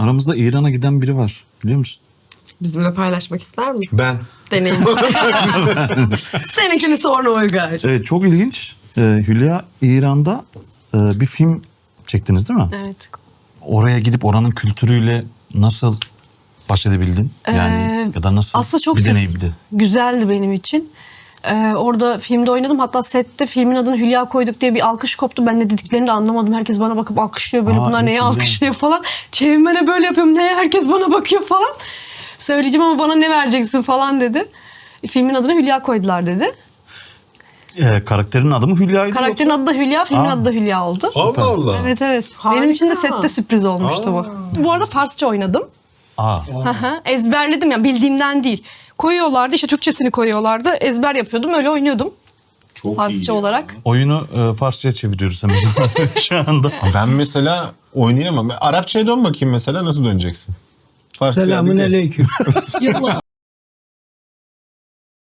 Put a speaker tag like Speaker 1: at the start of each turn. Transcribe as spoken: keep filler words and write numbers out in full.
Speaker 1: Aramızda İran'a giden biri var. Biliyor musun?
Speaker 2: Bizimle paylaşmak ister mi?
Speaker 3: Ben.
Speaker 2: Deneyim. Seninkini sonra Uygar.
Speaker 1: Evet, çok ilginç. Ee, Hülya, İran'da e, bir film çektiniz değil mi?
Speaker 2: Evet.
Speaker 1: Oraya gidip oranın kültürüyle nasıl baş edebildin? Yani
Speaker 4: Ee,
Speaker 1: ya da nasıl
Speaker 4: aslında çok
Speaker 1: bir
Speaker 4: se-
Speaker 1: deneyimdi?
Speaker 4: Güzeldi benim için. Ee, orada filmde oynadım. Hatta sette filmin adını Hülya koyduk diye bir alkış koptu. Ben ne dediklerini de anlamadım. Herkes bana bakıp alkışlıyor. Böyle
Speaker 1: Aa,
Speaker 4: bunlar
Speaker 1: evet,
Speaker 4: neye
Speaker 1: güzel.
Speaker 4: alkışlıyor falan. Çevirmene böyle yapıyorum. Neye herkes bana bakıyor falan. Söyleyeceğim ama bana ne vereceksin falan dedi. Filmin adını Hülya koydular dedi.
Speaker 1: Ee, karakterin adı mı Hülya'ydı?
Speaker 4: Karakterin
Speaker 1: yoksa?
Speaker 4: adı da Hülya, filmin
Speaker 1: Aa.
Speaker 4: adı da Hülya oldu.
Speaker 3: Allah Allah.
Speaker 4: Evet evet.
Speaker 2: Harika.
Speaker 4: Benim için de sette sürpriz olmuştu bu. Bu arada Farsça oynadım.
Speaker 1: Aa.
Speaker 4: Hı hı. Ezberledim ya, bildiğimden değil. Koyuyorlardı, işte Türkçesini koyuyorlardı. Ezber yapıyordum, öyle oynuyordum.
Speaker 3: Çok
Speaker 4: Farsça
Speaker 3: iyi ya.
Speaker 4: olarak.
Speaker 1: Oyunu e, Farsça'ya çeviriyoruz hemen şu anda.
Speaker 3: Ben mesela oynayamam. Arapçaya dön bakayım mesela, nasıl döneceksin? Farsçaya
Speaker 5: Selamun
Speaker 3: hadi gel.
Speaker 5: aleyküm.